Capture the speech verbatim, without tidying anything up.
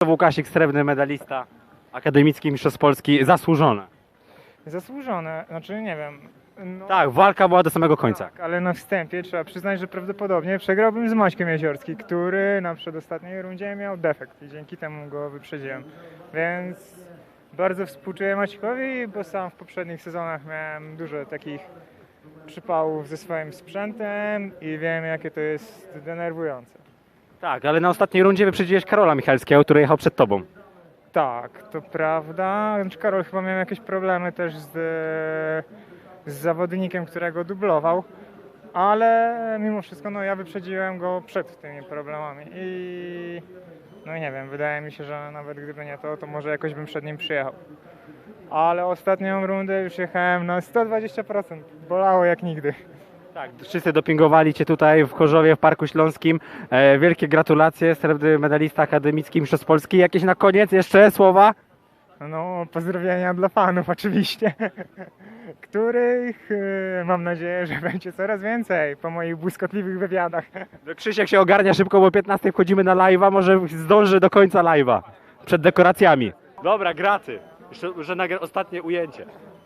znowu Łukasik, srebrny medalista, akademicki mistrzostw Polski, zasłużone. Zasłużone, znaczy nie wiem. No, Tak, walka była do samego końca. tak, ale na wstępie trzeba przyznać, że prawdopodobnie przegrałbym z Maćkiem Jeziorskim, który na przedostatniej rundzie miał defekt i dzięki temu go wyprzedziłem. Więc bardzo współczuję Maćkowi, bo sam w poprzednich sezonach miałem dużo takich przypałów ze swoim sprzętem i wiem, jakie to jest denerwujące. Tak, ale na ostatniej rundzie wyprzedziłeś Karola Michalskiego, który jechał przed tobą. Tak, to prawda. Znaczy, Karol chyba miał jakieś problemy też z, z zawodnikiem, którego dublował, ale mimo wszystko no, ja wyprzedziłem go przed tymi problemami i no i nie wiem, wydaje mi się, że nawet gdyby nie to, to może jakoś bym przed nim przyjechał. Ale ostatnią rundę już jechałem na sto dwadzieścia procent. Bolało jak nigdy. Tak, wszyscy dopingowali cię tutaj w Chorzowie, w Parku Śląskim. E, wielkie gratulacje, srebrny medalista akademicki mistrzostw Polski. Jakieś na koniec jeszcze słowa? No, pozdrowienia dla fanów oczywiście, których e, mam nadzieję, że będzie coraz więcej po moich błyskotliwych wywiadach. Krzysiek się ogarnia szybko, bo o piętnastej wchodzimy na live'a, może zdąży do końca live'a, przed dekoracjami. Dobra, graty. Jeszcze, że nagra ostatnie ujęcie.